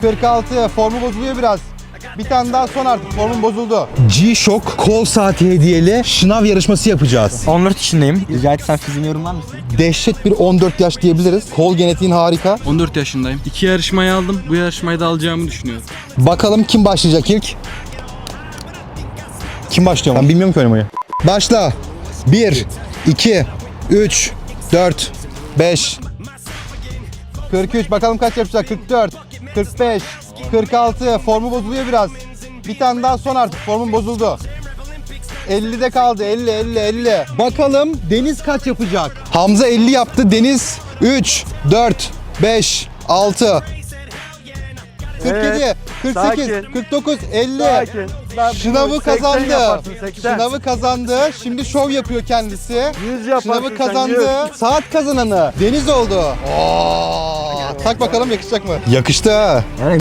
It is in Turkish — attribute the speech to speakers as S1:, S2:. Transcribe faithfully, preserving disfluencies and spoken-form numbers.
S1: kırk altı. Formu bozuluyor biraz. Bir tane daha son artık. Formun bozuldu. G-Shock kol saati hediyeli şınav yarışması yapacağız.
S2: on dört yaşındayım. Rica etsem fiziğini yorumlar mısın?
S1: Dehşet bir on dört yaş diyebiliriz. Kol genetiğin harika.
S3: on dört yaşındayım. İki yarışmayı aldım. Bu yarışmayı da alacağımı düşünüyorum.
S1: Bakalım kim başlayacak ilk? Kim başlıyor? Ben bilmiyorum ki oynamayı. Başla. bir, iki, üç, dört, beş. kırk üç. Bakalım kaç yapacak? kırk dört, kırk beş, kırk altı. Formu bozuluyor biraz. Bir tane daha son artık. Formun bozuldu. ellide kaldı. elli, elli, elli. Bakalım Deniz kaç yapacak? Hamza elli yaptı. Deniz üç, dört, beş, altı. kırk yedi,
S4: Evet,
S1: kırk sekiz,
S4: sakin.
S1: kırk dokuz, elli.
S4: Sakin. Ben
S1: Şınavı
S4: bunu seksen
S1: kazandı.
S4: yaparsın, seksen.
S1: Şınavı kazandı. Şimdi şov yapıyor kendisi.
S4: yüz yaparsın
S1: Şınavı
S4: sen,
S1: kazandı.
S4: yüz.
S1: Saat kazananı Deniz oldu. Oo, tak bakalım yakışacak mı? Yakıştı ha.